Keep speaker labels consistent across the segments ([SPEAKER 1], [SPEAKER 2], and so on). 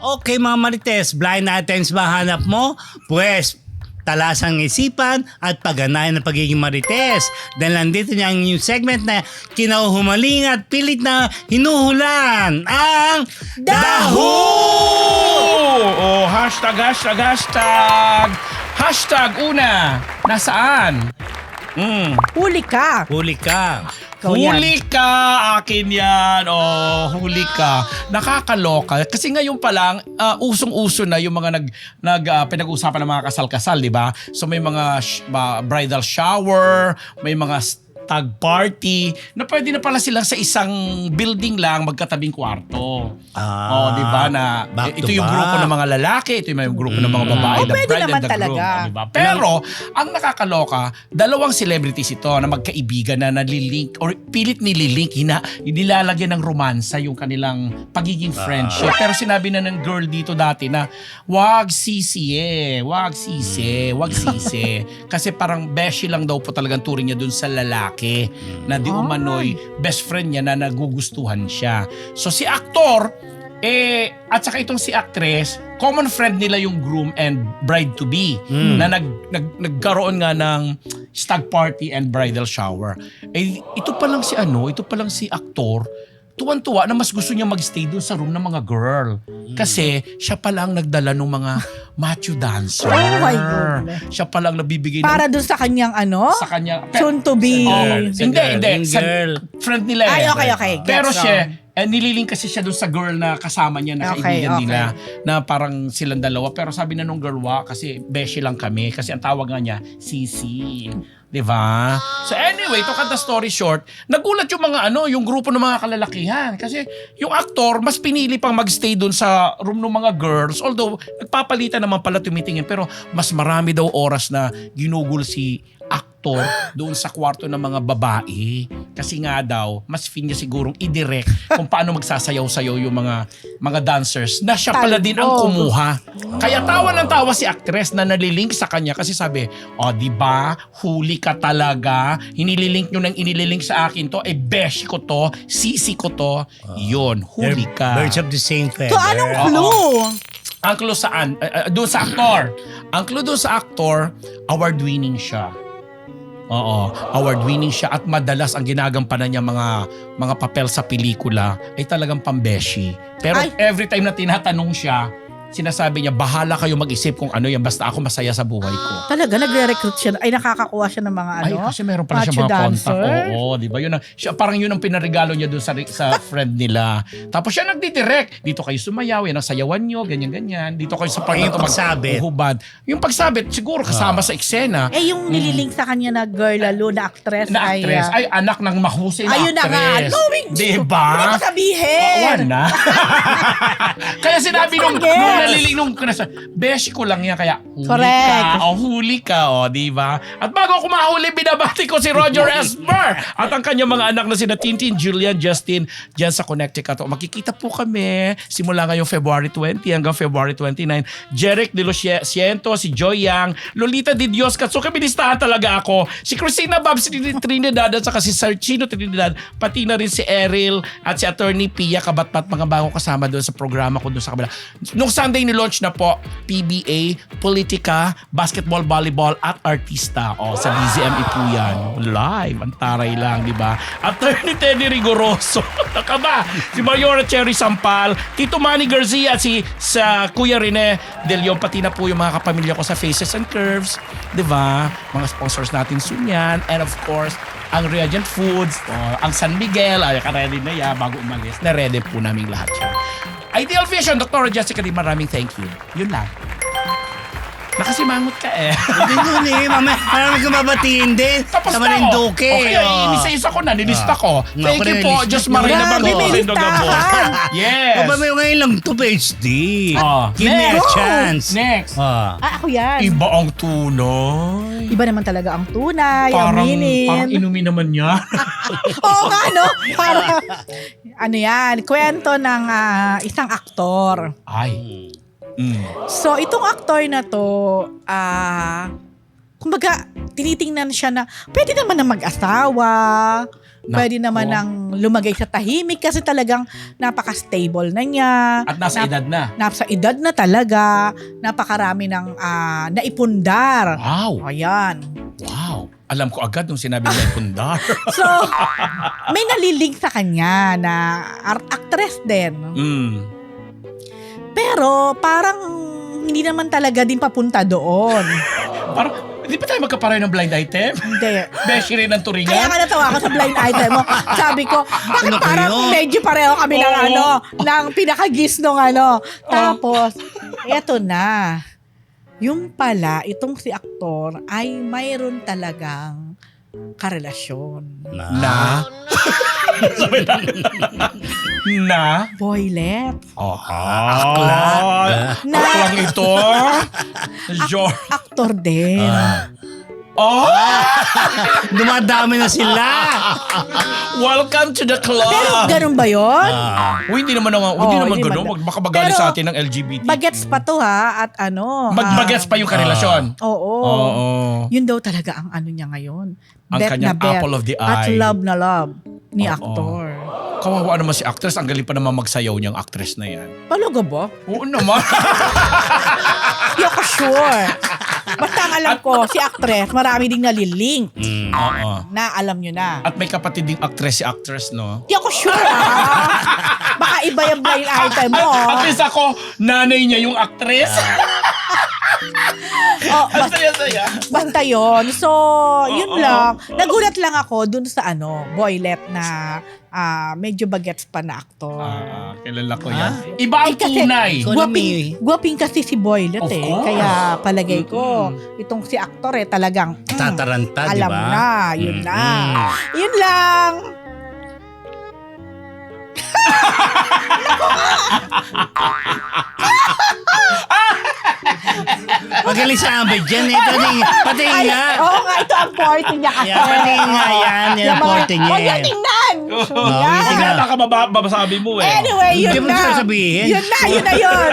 [SPEAKER 1] Okay mga Marites, blind items ba hanap mo? Pues, talasang isipan at pagganayan ng pagiging Marites. Dahil nandito niya ang new segment na kinahumaling at pilit na hinuhulan ang Daho!
[SPEAKER 2] Oh, hashtag. Hashtag una, nasaan?
[SPEAKER 3] Huli ka.
[SPEAKER 1] Huli ka.
[SPEAKER 3] Ikaw yan.
[SPEAKER 2] Huli ka! Akin yan! Oh, huli ka. Nakakaloka. Kasi ngayon pa lang, usong-uso na yung mga pinag-uusapan ng mga kasal-kasal, di ba? So may mga bridal shower, may mga stag party, na pwede na pala silang sa isang building lang magkatabing kwarto. Oh, di ba? Na
[SPEAKER 1] Back to
[SPEAKER 2] ito yung
[SPEAKER 1] back.
[SPEAKER 2] grupo ng mga lalaki, ito yung grupo ng mga babae,
[SPEAKER 3] Oh,
[SPEAKER 2] the
[SPEAKER 3] pwede
[SPEAKER 2] bride
[SPEAKER 3] naman
[SPEAKER 2] and the
[SPEAKER 3] talaga.
[SPEAKER 2] groom. Oh, di ba? Pero, ang nakakaloka, dalawang celebrities ito na magkaibigan na nalilink or pilit nililink, nilalagyan ng romansa yung kanilang pagiging friendship. Pero sinabi na ng girl dito dati na, wag sisi. Kasi parang beshi lang daw po talagang turing niya dun sa lalaki na di umano'y best friend niya na nagugustuhan siya. So si aktor, at saka itong si actress, common friend nila yung groom and bride-to-be na nagkaroon nga ng stag party and bridal shower. Ito pa lang si aktor, tuwan-tuwa na mas gusto niya magstay doon sa room ng mga girl. Kasi siya pa lang nagdala ng mga macho dancer.
[SPEAKER 3] Oh my goodness.
[SPEAKER 2] Siya pa lang nabibigay
[SPEAKER 3] Para dun sa kanyang
[SPEAKER 2] sa kanya.
[SPEAKER 3] soon to be.
[SPEAKER 2] Hindi.
[SPEAKER 1] Yung
[SPEAKER 2] Sa
[SPEAKER 1] girl.
[SPEAKER 2] friend nila
[SPEAKER 3] Ay, okay.
[SPEAKER 2] Pero
[SPEAKER 3] Gets
[SPEAKER 2] siya, nililing kasi siya doon sa girl na kasama niya, na kaibigan nila, na parang silang dalawa. Pero sabi na nung girl, kasi beshi lang kami. Kasi ang tawag nga niya, Sisi. Diba? So anyway, to cut the story short, nagulat yung mga yung grupo ng mga kalalakihan. Kasi yung aktor, mas pinili pang magstay doon sa room ng mga girls. Although, nagpapalitan naman pala tumitingin. Pero mas marami daw oras na ginugol si aktor doon sa kwarto ng mga babae. Kasi nga daw, mas fin niya sigurong i-direct kung paano magsasayaw-sayaw yung mga dancers na siya pala din ang kumuha. Kaya tawa ng tawa si actress na nalilink sa kanya kasi sabi, di ba, huli ka talaga. Hinililink nyo nang inililink sa akin to. Beshi ko to, sisi ko to. Yun, huli ka.
[SPEAKER 1] Birds of the same feather.
[SPEAKER 3] So, anong clue?
[SPEAKER 2] Ang clue saan? Doon sa aktor. Ang clue doon sa aktor, award-winning siya. Oo, award-winning siya at madalas ang ginagampanan niya mga papel sa pelikula ay talagang pambeshi. Pero every time na tinatanong siya, sinasabi niya, bahala kayo mag-isip kung ano yan, basta ako masaya sa buhay ko.
[SPEAKER 3] Talaga, nagre-recruit siya. Ay, nakakakuha siya ng mga
[SPEAKER 2] Kasi meron pala siya mga contact. Oo, di ba? Parang yun ang pinaregalo niya dun sa friend nila. Tapos siya nagdidirect. Dito kayo sumayaw, yan ang sayawan nyo, ganyan-ganyan. Dito kayo sa part na
[SPEAKER 1] Yung pagsabit.
[SPEAKER 2] maghubad. Yung pagsabit, siguro kasama sa eksena.
[SPEAKER 3] yung nililink sa kanya na girl lalo na actress.
[SPEAKER 2] Na actress, ay anak ng mahusay na
[SPEAKER 3] Ayun na nga.
[SPEAKER 2] actress. Di
[SPEAKER 3] Hindi
[SPEAKER 2] ba?
[SPEAKER 3] ko sabihin.
[SPEAKER 2] Na. Kaya sinabi nung naliling nung beshi ko lang yan, kaya huli ka, di ba? At bago ako mahuli, binabati ko si Roger Esmer at ang kanyang mga anak na sina Tintin, Julian, Justin, dyan sa Connecticut. Makikita po kami simula ngayong February 20 hanggang February 29. Jeric De Los Cientos, si Joy Yang, Lolita Di Dios, Katsuki, binistahan talaga ako. Si Christina Babs Trinidad at saka si Sarchino Trinidad, pati na rin si Eril at si Attorney Pia Kabatpat, mga bago kasama doon sa programa ko doon sa kabila. Nung Sunday nilaunch na po, PBA, Politika, Basketball, Volleyball at Artista. Sa BZME po yan. Live, ang taray lang, di ba? Attorney Teddy Rigoroso. Naka ba? Si Mayora Cherry Sampal, Tito Manny Garcia, sa Kuya Rene Del Leon, pati na po yung mga kapamilya ko sa Faces and Curves, di ba? Mga sponsors natin soon yan. And of course, ang Reagent Foods, ang San Miguel, ready na yan bago umalis. Na-ready po namin lahat yan. Ideal Vision, Dr. Jessica Di, maraming thank you. Yun lang. Nakasimangot ka
[SPEAKER 1] Hindi, mamaya, parang magkababatiin din.
[SPEAKER 2] Tapos
[SPEAKER 1] sa
[SPEAKER 2] na
[SPEAKER 1] Marinduque.
[SPEAKER 2] Okay, inisa-isa ko na, nilista ko. Thank you po, Diyos Marina
[SPEAKER 3] Grabe,
[SPEAKER 2] Bango.
[SPEAKER 3] may listahan.
[SPEAKER 2] Yes.
[SPEAKER 1] O ba may ngayon lang to PhD? Give me a
[SPEAKER 2] Next.
[SPEAKER 1] chance.
[SPEAKER 2] Next.
[SPEAKER 3] Ako yan.
[SPEAKER 2] Iba ang tunay.
[SPEAKER 3] Iba naman talaga ang tunay,
[SPEAKER 2] Parang
[SPEAKER 3] aminin.
[SPEAKER 2] inumin naman niya.
[SPEAKER 3] Oo nga, no? Parang, yan, kwento ng isang aktor.
[SPEAKER 2] Ay.
[SPEAKER 3] So, itong aktor na to, kumbaga, tinitingnan siya na, pwede naman na mag-asawa, Pwede naman ng lumagay sa tahimik kasi talagang napaka-stable na niya.
[SPEAKER 2] At nasa edad na.
[SPEAKER 3] Nasa edad na talaga. Napakarami ng naipundar.
[SPEAKER 2] Wow.
[SPEAKER 3] Ayan.
[SPEAKER 2] Wow. Alam ko agad nung sinabi niya pundar.
[SPEAKER 3] So, may nalilig sa kanya na actress din. Pero parang hindi naman talaga din papunta doon.
[SPEAKER 2] Parang, hindi pa tayo magkapareho ng blind item?
[SPEAKER 3] Hindi.
[SPEAKER 2] Beshi rin ng
[SPEAKER 3] Kaya
[SPEAKER 2] turingan?
[SPEAKER 3] nga natawa ako sa blind item mo. Sabi ko, bakit
[SPEAKER 1] Ano
[SPEAKER 3] parang
[SPEAKER 1] kayo?
[SPEAKER 3] medyo pareho kami ng
[SPEAKER 2] Oo.
[SPEAKER 3] ng pinakagis nung Tapos, eto na. Yung pala, itong si aktor ay mayroon talagang karelasyon.
[SPEAKER 2] Na? Sabi na. Na?
[SPEAKER 3] Boylet.
[SPEAKER 1] Akla.
[SPEAKER 3] Na
[SPEAKER 2] Aklang ito?
[SPEAKER 3] aktor din.
[SPEAKER 2] Oh!
[SPEAKER 1] Dumadami na sila.
[SPEAKER 2] Welcome to the club!
[SPEAKER 3] Pero ganun ba yun?
[SPEAKER 2] Hindi naman
[SPEAKER 3] hindi
[SPEAKER 2] ganun.
[SPEAKER 3] man-
[SPEAKER 2] Baka magalit
[SPEAKER 3] Pero,
[SPEAKER 2] sa atin ng LGBT.
[SPEAKER 3] Bagets pa to ha, at
[SPEAKER 2] Bagets pa yung karelasyon.
[SPEAKER 3] Oo.
[SPEAKER 2] Oo.
[SPEAKER 3] Yun daw talaga ang ano niya ngayon.
[SPEAKER 2] Ang
[SPEAKER 3] Bet
[SPEAKER 2] kanyang
[SPEAKER 3] na bet.
[SPEAKER 2] apple of the
[SPEAKER 3] At
[SPEAKER 2] eye.
[SPEAKER 3] love na love ni
[SPEAKER 2] Oo.
[SPEAKER 3] aktor.
[SPEAKER 2] Kawawa naman si actress. Ang galing pa naman magsayaw niyang actress na yan.
[SPEAKER 3] Talaga ba?
[SPEAKER 2] Oo naman.
[SPEAKER 3] Hindi ako sure. Basta ang alam ko, si actress, marami ding nalilink
[SPEAKER 2] Oo.
[SPEAKER 3] na alam nyo na.
[SPEAKER 2] At may kapatid ding actress si actress, no?
[SPEAKER 3] Hindi ako sure Baka iba yung blind item mo.
[SPEAKER 2] At least ako, nanay niya yung actress.
[SPEAKER 3] Oh,
[SPEAKER 2] Ang saya-saya.
[SPEAKER 3] basta yun. So, yun lang. Nagulat lang ako dun sa Boylet na medyo bagets pa na aktor.
[SPEAKER 2] Kilala ko yan. Iba ang
[SPEAKER 3] kasi-
[SPEAKER 2] tunay.
[SPEAKER 3] Gwaping kasi si Boylet
[SPEAKER 2] Of course.
[SPEAKER 3] Kaya palagay ko, itong si aktor talagang
[SPEAKER 1] Tataranta, di
[SPEAKER 3] alam
[SPEAKER 1] ba?
[SPEAKER 3] na, yun na.
[SPEAKER 1] Mm.
[SPEAKER 3] Yun lang.
[SPEAKER 1] Magaling sa ambit dyan. Ito din. Pati nga.
[SPEAKER 3] Oo nga, ito ang forte niya kasi.
[SPEAKER 1] Yan, pati nga yan. Yan ang forte niya.
[SPEAKER 3] Huwag niya tingnan. Yan.
[SPEAKER 2] Tingnan, baka mabasabi mo eh.
[SPEAKER 3] Anyway, yun
[SPEAKER 1] Hindi mo
[SPEAKER 3] na.
[SPEAKER 1] sasabihin.
[SPEAKER 3] Yun na yun.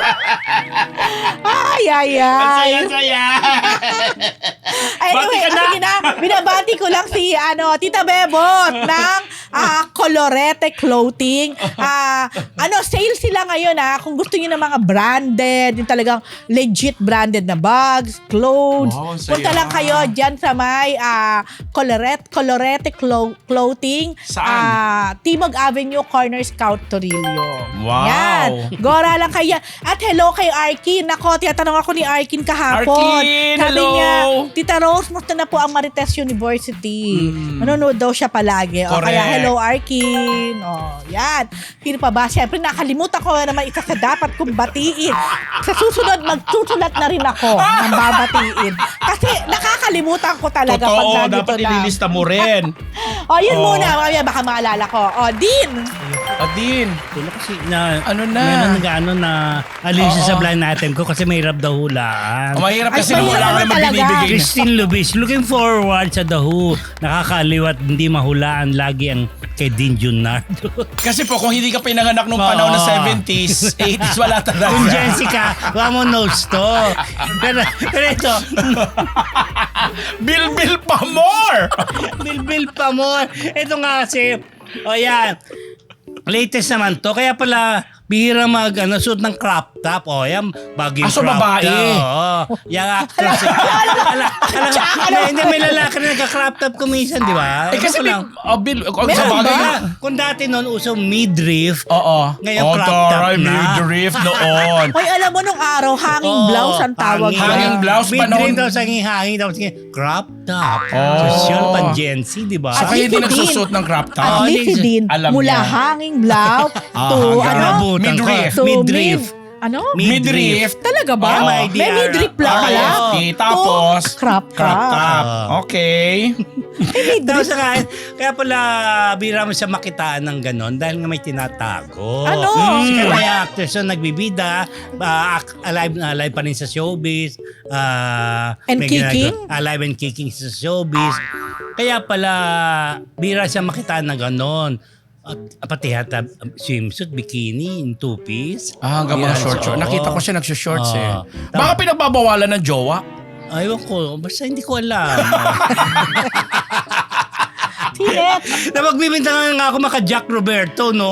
[SPEAKER 3] Ay.
[SPEAKER 2] Ang saya-saya.
[SPEAKER 3] Anyway,
[SPEAKER 2] Bati ka na.
[SPEAKER 3] sige na. Binabati ko lang si Tita Bebot ng Colorete Clothing. Sale sila ngayon Kung gusto niyo ng mga branded, yung talagang legit branded na bags, clothes.
[SPEAKER 2] Wow, saya.
[SPEAKER 3] Punta lang kayo dyan sa may Colorete Clothing.
[SPEAKER 2] Saan?
[SPEAKER 3] Timog Avenue, Corner Scout, Torillo.
[SPEAKER 2] Wow.
[SPEAKER 3] Yan. Gora lang kayo. At hello kay Arkin. Nako, tinatanong ako ni Arkin kahapon.
[SPEAKER 2] Arkin,
[SPEAKER 3] Sabi
[SPEAKER 2] hello.
[SPEAKER 3] niya, Tita Rose, musta na po ang Marites University? Manonood daw siya palagi. O,
[SPEAKER 2] Correct.
[SPEAKER 3] kaya hello Arkin. O, yan. Sino pa ba? Siyempre, nakalimutan ko naman isa sa dapat kong batiin. Sa susunod, magsusulat na rin ako ng babatiin. Kasi nakakalimutan ko talaga pag
[SPEAKER 2] Totoo,
[SPEAKER 3] nandito
[SPEAKER 2] dapat
[SPEAKER 3] na.
[SPEAKER 2] ililista mo rin.
[SPEAKER 3] O, yun
[SPEAKER 2] Oo.
[SPEAKER 3] muna. Mamaya baka maalala ko. O, Dean.
[SPEAKER 2] Adin.
[SPEAKER 1] Wala kasi na,
[SPEAKER 2] Ano na?
[SPEAKER 1] Meron nag-ano na alin siya
[SPEAKER 2] Oo.
[SPEAKER 1] sa blind item ko kasi mahirap daw hulaan.
[SPEAKER 2] Mahirap
[SPEAKER 3] Ay,
[SPEAKER 2] kasi
[SPEAKER 3] mahirap
[SPEAKER 2] wala ka
[SPEAKER 3] naman
[SPEAKER 2] naman
[SPEAKER 3] talaga.
[SPEAKER 2] binibigay na.
[SPEAKER 1] Christine Lubis, looking forward sa The Who. Nakakaliwat, hindi mahulaan lagi ang kay Dean Junardo.
[SPEAKER 2] Kasi po, kung hindi ka pinanganak nung panahon ng 70s, 80s, wala talaga.
[SPEAKER 1] Kung Jessica, wala mo notes to. Pero ito,
[SPEAKER 2] Bill pa more!
[SPEAKER 1] Bilbil pa mo. Ito nga kasi, yan. Latest naman to. Kaya pala, bihira suot ng crop top. Yan, bagay
[SPEAKER 2] So
[SPEAKER 1] crop
[SPEAKER 2] babae.
[SPEAKER 1] top. Oo. Yung actress. Hindi, may lalaki na nagka-crop top kumisan, di ba?
[SPEAKER 2] Kasi
[SPEAKER 1] Ewan ko lang.
[SPEAKER 2] Bill, sa
[SPEAKER 3] Meron
[SPEAKER 2] bagay
[SPEAKER 3] ba?
[SPEAKER 2] na.
[SPEAKER 1] Kung dati noon, uso midriff.
[SPEAKER 2] Oo.
[SPEAKER 1] Ngayon, crop top
[SPEAKER 2] taray,
[SPEAKER 1] na.
[SPEAKER 2] midriff noon.
[SPEAKER 3] Hoy, alam mo nung araw, hanging blouse ang tawag
[SPEAKER 2] hanging. Hanging blouse,
[SPEAKER 1] Midriff
[SPEAKER 2] panahon-
[SPEAKER 1] daw sa hanging, daw sa crop top.
[SPEAKER 2] Oh.
[SPEAKER 1] Social pan Gen Z, di ba?
[SPEAKER 2] So
[SPEAKER 3] At
[SPEAKER 2] kaya hindi
[SPEAKER 3] least si
[SPEAKER 2] nagsusuot ng crop top.
[SPEAKER 3] At
[SPEAKER 1] Oo,
[SPEAKER 3] least si
[SPEAKER 1] hindi-
[SPEAKER 3] Dean,
[SPEAKER 2] alam
[SPEAKER 3] mula
[SPEAKER 2] niya.
[SPEAKER 3] hanging blouse to
[SPEAKER 2] hanggang
[SPEAKER 1] Nabutan ko.
[SPEAKER 2] midriff.
[SPEAKER 3] to
[SPEAKER 1] Midriff.
[SPEAKER 2] Midriff.
[SPEAKER 3] Talaga ba?
[SPEAKER 1] Oh,
[SPEAKER 3] May midriff lang
[SPEAKER 1] Oo.
[SPEAKER 3] pala.
[SPEAKER 2] Tapos,
[SPEAKER 3] To crop top.
[SPEAKER 2] Okay.
[SPEAKER 1] Tapos kaya pala bira mo siya makitaan ng ganon dahil nga may tinatago.
[SPEAKER 3] Ano?
[SPEAKER 1] Si may actors na nagbibida, alive pa rin sa showbiz.
[SPEAKER 3] And
[SPEAKER 1] may
[SPEAKER 3] kicking?
[SPEAKER 1] Alive and kicking sa showbiz. Kaya pala bira siya makitaan ng ganon. At pati hata swimsuit, bikini, in two-piece.
[SPEAKER 2] Hanggang mga
[SPEAKER 1] Yan,
[SPEAKER 2] short.
[SPEAKER 1] oo.
[SPEAKER 2] Nakita ko siya nagsushorts eh.
[SPEAKER 1] Oo.
[SPEAKER 2] Baka pinagbabawalan ng jowa.
[SPEAKER 1] Aywan ko, basta hindi ko alam.
[SPEAKER 3] Sinet.
[SPEAKER 1] Na magbibintangan nga ako maka Jack Roberto, no?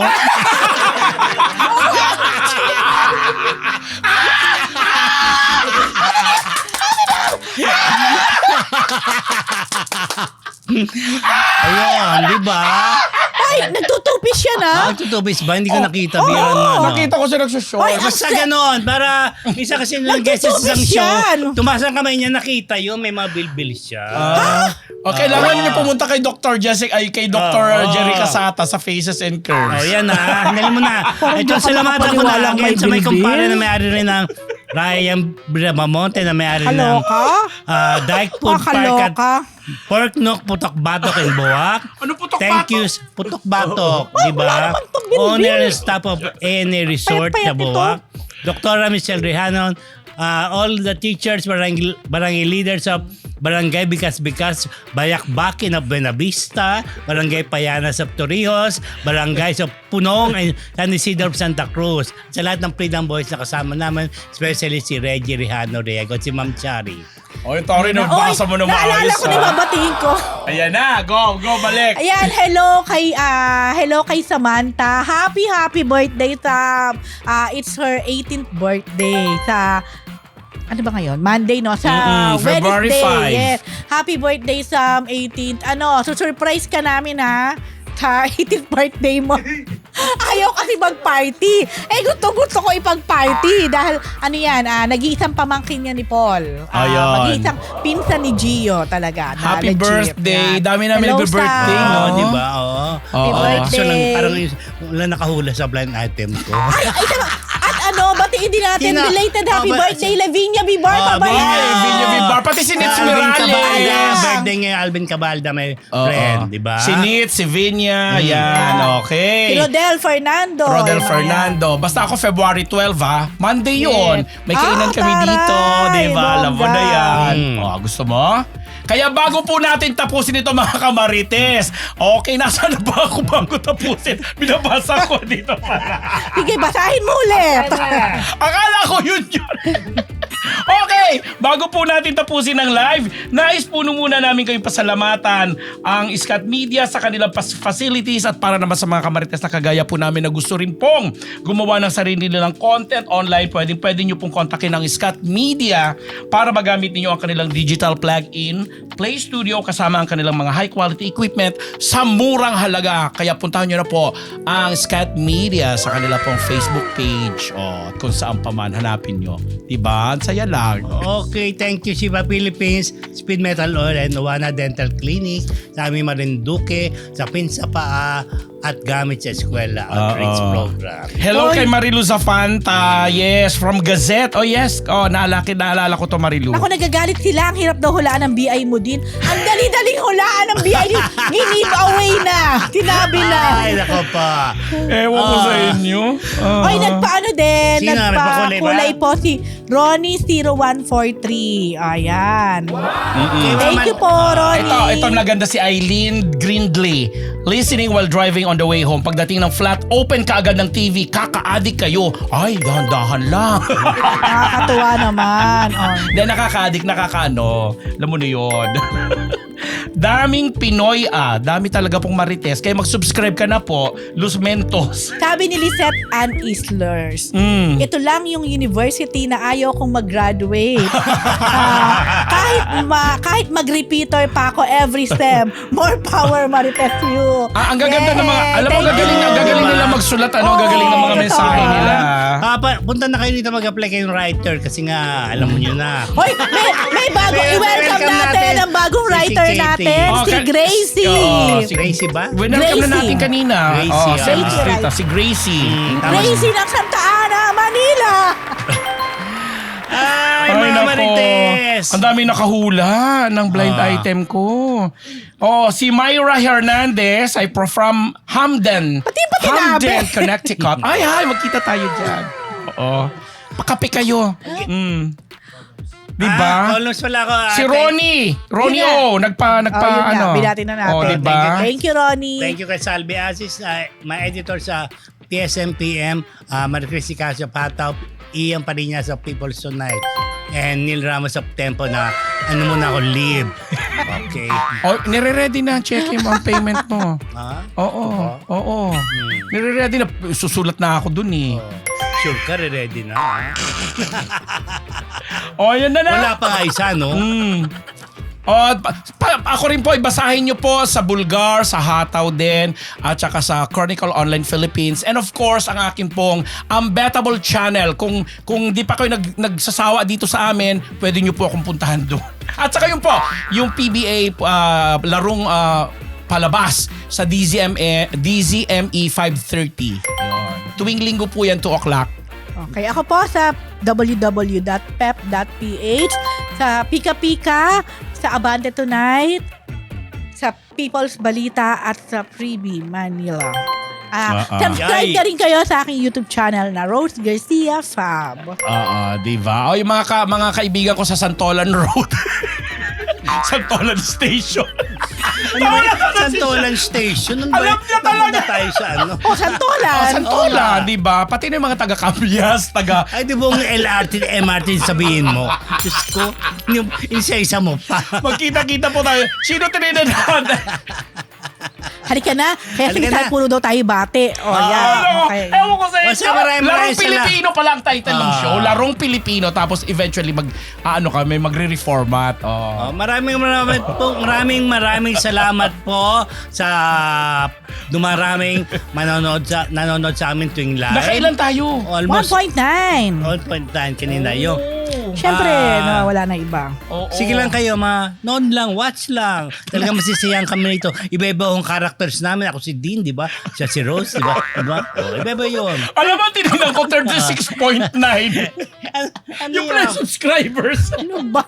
[SPEAKER 1] Ayun, di ba?
[SPEAKER 3] Ay, nagtutupis siya na.
[SPEAKER 1] Tutubis ba? Hindi ko nakita. Bira na.
[SPEAKER 2] Nakita ko siya nagsushow.
[SPEAKER 3] Ay,
[SPEAKER 1] Basta ganon, para isa kasi nung guest sa isang
[SPEAKER 3] Nagtutubis
[SPEAKER 1] show,
[SPEAKER 3] yan.
[SPEAKER 1] tumaas ang kamay niya, nakita yun, may mga bilbil siya.
[SPEAKER 2] Kailangan niyo pumunta kay Dr. Jessica, ay kay Dr. Jerry Casata sa Faces and Curves.
[SPEAKER 1] Oh, yan na. Handali mo na.
[SPEAKER 3] Parang
[SPEAKER 1] Ito,
[SPEAKER 3] di ako
[SPEAKER 1] salamatan ko na
[SPEAKER 3] nakapaniwalang
[SPEAKER 1] again
[SPEAKER 3] may
[SPEAKER 1] sa may
[SPEAKER 3] bilbil.
[SPEAKER 1] kumpare na may-ari rin ng Ryan Brabamonte na may-ari ng
[SPEAKER 3] Kaloka?
[SPEAKER 1] Dyke Food Park at
[SPEAKER 3] Kaloka?
[SPEAKER 1] Pork Nook, Putok Batok and Buwak.
[SPEAKER 2] Ano Putok
[SPEAKER 1] Thank
[SPEAKER 2] Batok?
[SPEAKER 1] you, Putok Batok, di
[SPEAKER 3] wala
[SPEAKER 1] ba?
[SPEAKER 3] naman tong bilbil.
[SPEAKER 1] Owner and staff of A&A Resort
[SPEAKER 3] Payat-payat
[SPEAKER 1] na Buwak. Dr. Michelle Rehanon, all the teachers, barangay leaders of Barangay Bikas, Bayakbakin of Buenavista, Barangay Payanas of Torrijos, Barangay of Punong and San Isidro of Santa Cruz. Sa lahat ng Freedom Boys na kasama namin, especially si Reggie Rehano Riego at si Ma'am Chari.
[SPEAKER 2] Oy, Tori, nabasa mo na
[SPEAKER 3] naalala
[SPEAKER 2] maayos.
[SPEAKER 3] ko na babatiin ko.
[SPEAKER 2] Ayan na, go, balik.
[SPEAKER 3] Ayan, hello kay Samantha. Happy birthday sa it's her 18th birthday sa ano ba ngayon? Monday, no? Sa
[SPEAKER 2] February
[SPEAKER 3] Wednesday.
[SPEAKER 2] 5.
[SPEAKER 3] Yes. Happy birthday sa 18th. Surprise ka namin, ha? Sa 18th birthday mo. Ayaw kasi mag-party. Gusto ko ipag-party. Dahil, nag-iisang pamangkin niya ni Paul.
[SPEAKER 2] Ayun.
[SPEAKER 3] Mag-iisang pinsan ni Gio talaga.
[SPEAKER 2] Happy
[SPEAKER 3] Legit.
[SPEAKER 2] birthday.
[SPEAKER 3] Yan.
[SPEAKER 2] Dami namin
[SPEAKER 3] Hello,
[SPEAKER 2] nag-birthday,
[SPEAKER 3] Sam.
[SPEAKER 2] no?
[SPEAKER 1] Di ba? Oo.
[SPEAKER 3] Happy birthday.
[SPEAKER 1] Kaso lang, parang wala nakahula sa blind item ko.
[SPEAKER 3] Ay, tama. At batiin din natin.
[SPEAKER 1] Sino?
[SPEAKER 3] Belated happy
[SPEAKER 1] Oh, ba-
[SPEAKER 3] birthday, Lavinia Bibar.
[SPEAKER 2] Vinya Vivar, pati si Nitz
[SPEAKER 1] Alvin Cabalda.
[SPEAKER 2] Mirales.
[SPEAKER 1] Birthday ngayon, Alvin Cabalda, may friend, di ba?
[SPEAKER 2] Si Nitz, si Vinya, yan, okay.
[SPEAKER 3] Si Rodel Fernando.
[SPEAKER 2] Rodel
[SPEAKER 3] Ayan.
[SPEAKER 2] Fernando. Basta ako February 12 ha. Monday yun. May kainan kami
[SPEAKER 3] taray,
[SPEAKER 2] dito. Diba? Alam mo na
[SPEAKER 3] bongga.
[SPEAKER 2] yan. Gusto mo? Kaya bago po natin tapusin ito mga kamarites. Okay, nasaan na ba ako bago tapusin? Binabasa ko dito para.
[SPEAKER 3] Sige, basahin mo ulit.
[SPEAKER 2] Akala ko yun. Okay, bago po natin tapusin ang live, nais po muna namin kayong pasalamatan ang Scat Media sa kanilang facilities at para naman sa mga kamarites na kagaya po namin na gusto rin pong gumawa ng sarili nilang content online, pwede nyo pong kontakin ang Scat Media para magamit ninyo ang kanilang digital plug-in, Play Studio kasama ang kanilang mga high quality equipment sa murang halaga. Kaya puntahan nyo na po ang Scat Media sa kanila pong Facebook page at kung saan pa man hanapin nyo. Diba? Ang saya lang.
[SPEAKER 1] Okay, thank you Shiva Philippines, Speed Metal Oil and Nuwana Dental Clinic, sa aming Marinduque, sa Pinsa Paa at gamit sa eskwela outreach program.
[SPEAKER 2] Hello kay Marilu Zafanta. Yes, from Gazette. Oh yes. Naalala ko to Marilu.
[SPEAKER 3] Ako nagagalit sila. Ang hirap daw hulaan ng BI mo din. Ang dali-daling hulaan ng BI din. Give away na. Tinabi na.
[SPEAKER 1] Ay, nako pa.
[SPEAKER 2] Ewan ko sa inyo.
[SPEAKER 3] Oy, nagpaano din.
[SPEAKER 1] Sino? May pakulay ba?
[SPEAKER 3] Nagpakulay po si Ronnie0143. Ayan. Thank you po, Ronnie.
[SPEAKER 2] Ito naganda si Eileen Grindley. Listening while driving on the way home. Pagdating ng flat, open ka agad ng TV. Kaka-addict kayo. Ay, dahan-dahan lang.
[SPEAKER 3] Nakakatuwa naman.
[SPEAKER 2] Hindi, nakaka-addict, nakakaano. Alam mo na yun. Daming Pinoy dami talaga pong marites. Kaya mag-subscribe ka na po. Los Mentos.
[SPEAKER 3] Sabi ni Lisette Ann Islers, ito lang yung university na ayaw kong mag-graduate. Kahit mag-repeater pa ako every STEM, more power marites you.
[SPEAKER 2] Ang gaganda ng mga, alam mo,
[SPEAKER 3] Thank
[SPEAKER 2] gagaling
[SPEAKER 3] you.
[SPEAKER 2] nila magsulat, gagaling ng mga
[SPEAKER 3] Oo,
[SPEAKER 2] mensahe
[SPEAKER 3] totoo.
[SPEAKER 2] nila.
[SPEAKER 1] Punta na kayo dito mag-apply kayong writer kasi nga, alam mo nyo na.
[SPEAKER 3] Hoy, may bago. I-welcome natin ang bagong writer
[SPEAKER 1] Si Katie.
[SPEAKER 3] natin, si Gracie.
[SPEAKER 1] Si Gracie ba?
[SPEAKER 2] Welcome na
[SPEAKER 3] Gracie.
[SPEAKER 2] natin kanina.
[SPEAKER 1] Gracie,
[SPEAKER 2] Si
[SPEAKER 3] Gracie,
[SPEAKER 2] Street,
[SPEAKER 3] right.
[SPEAKER 2] si Gracie.
[SPEAKER 3] Gracie ng Santa Ana, Manila.
[SPEAKER 1] Ay, mga marites.
[SPEAKER 2] Ang dami nakahula ng blind item ko. Si Myra Hernandez ay from Hamden.
[SPEAKER 3] Pati nabi.
[SPEAKER 2] Hamden, Connecticut. Ay, magkita tayo dyan. Oo. Pakape kayo. Diba?
[SPEAKER 1] Almost wala ko.
[SPEAKER 2] Si Ronnie. Ronnie
[SPEAKER 3] Yun
[SPEAKER 2] O. Nagpa
[SPEAKER 3] yun na.
[SPEAKER 2] ano.
[SPEAKER 3] Binati na natin.
[SPEAKER 2] Diba?
[SPEAKER 3] Thank you, Ronnie.
[SPEAKER 1] Thank you kay Salvi Asis, my editor sa TSMPM, Maria Cristi Casio Pataw, Ian Pariñas sa People's Tonight. and Neil Ramos of Tempo na ano muna ako, leave. Okay.
[SPEAKER 2] Oh, nire-ready na. Check mo ang payment mo.
[SPEAKER 1] Ha?
[SPEAKER 2] Oo. Nire-ready na. Susulat na ako dun eh.
[SPEAKER 1] Sure ka, ready na. Ha?
[SPEAKER 2] Yan na.
[SPEAKER 1] Wala pa nga isa, no?
[SPEAKER 2] Ako rin po, ibasahin nyo po sa Bulgar, sa Hataw din, at saka sa Chronicle Online Philippines. And of course, ang akin pong Unbettable channel. Kung di pa kayo nagsasawa dito sa amin, pwede nyo po akong puntahan doon. At saka yun po, yung PBA larong palabas sa DZME 5:30. Tuwing linggo po yan, 2 o'clock.
[SPEAKER 3] Okay, ako po sa www.pep.ph, sa Pika Pika, sa Abante Tonight, sa People's Balita at sa Freebie Manila. Subscribe na rin kayo sa aking YouTube channel na Rose Garcia Fab.
[SPEAKER 2] Diba? Yung mga kaibigan ko sa Santolan Road. Santolan Station.
[SPEAKER 1] Santolan Station.
[SPEAKER 2] Alam niya talaga.
[SPEAKER 1] Tayo sa ano.
[SPEAKER 3] Santolan.
[SPEAKER 2] Santolan, di ba? Pati na yung mga taga-Cambias,
[SPEAKER 1] Ay, di ba yung LRT, MRT sabihin mo? Diyos ko, yung isa-isa mo pa.
[SPEAKER 2] Magkita-kita po tayo. Sino tininahan?
[SPEAKER 3] Halika na. Kaya
[SPEAKER 1] Halika
[SPEAKER 3] sige,
[SPEAKER 1] na.
[SPEAKER 3] puro daw tayo bate. Yan. Okay.
[SPEAKER 2] Ewan ko sa inyo.
[SPEAKER 1] Basta maraming
[SPEAKER 2] Larong
[SPEAKER 1] sala.
[SPEAKER 2] Pilipino pala ang title ng show. Larong Pilipino. Tapos eventually kami magre-reformat.
[SPEAKER 1] Maraming salamat po sa dumaraming nanonood sa amin tuwing live.
[SPEAKER 2] Nakailan tayo?
[SPEAKER 1] Almost
[SPEAKER 3] 1.9.
[SPEAKER 1] 1.9 kanina yung.
[SPEAKER 3] Siyempre, wala na iba.
[SPEAKER 1] Sige lang kayo, noon lang, watch lang. Talaga masisiyang kami nito. Iba-iba yung characters namin. Ako si Dean, di ba? Siya si Rose, di ba? Iba-iba yun.
[SPEAKER 2] Alam mo, tinignan ko 36.9. Yung
[SPEAKER 1] yan?
[SPEAKER 2] subscribers.
[SPEAKER 3] Ano ba?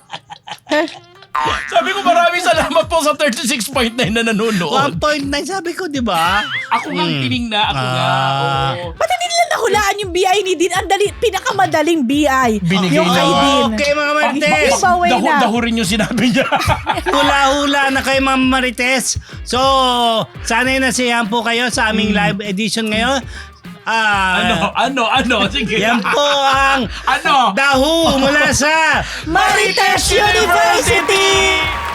[SPEAKER 2] Sabi ko maraming salamat po sa 36.9 na nanonood.
[SPEAKER 1] 1.9 sabi ko, di ba?
[SPEAKER 2] Ako nga tinignan. Ako nga. Oo.
[SPEAKER 3] Ba't hindi nila nahulaan yung BI ni Dean? Ang pinakamadaling BI.
[SPEAKER 2] Binigay
[SPEAKER 3] yung
[SPEAKER 2] niya.
[SPEAKER 3] kay Dean.
[SPEAKER 1] Okay, mga Marites.
[SPEAKER 3] Giveaway na.
[SPEAKER 2] Dahurin yung sinabi niya.
[SPEAKER 1] Hula-hula na kayo, mga Marites. So, sana'y nasiyahan po kayo sa aming live edition ngayon.
[SPEAKER 2] Ano? Sige.
[SPEAKER 1] Yan po ang
[SPEAKER 2] Ano?
[SPEAKER 1] Dahu mula sa
[SPEAKER 3] Marites University!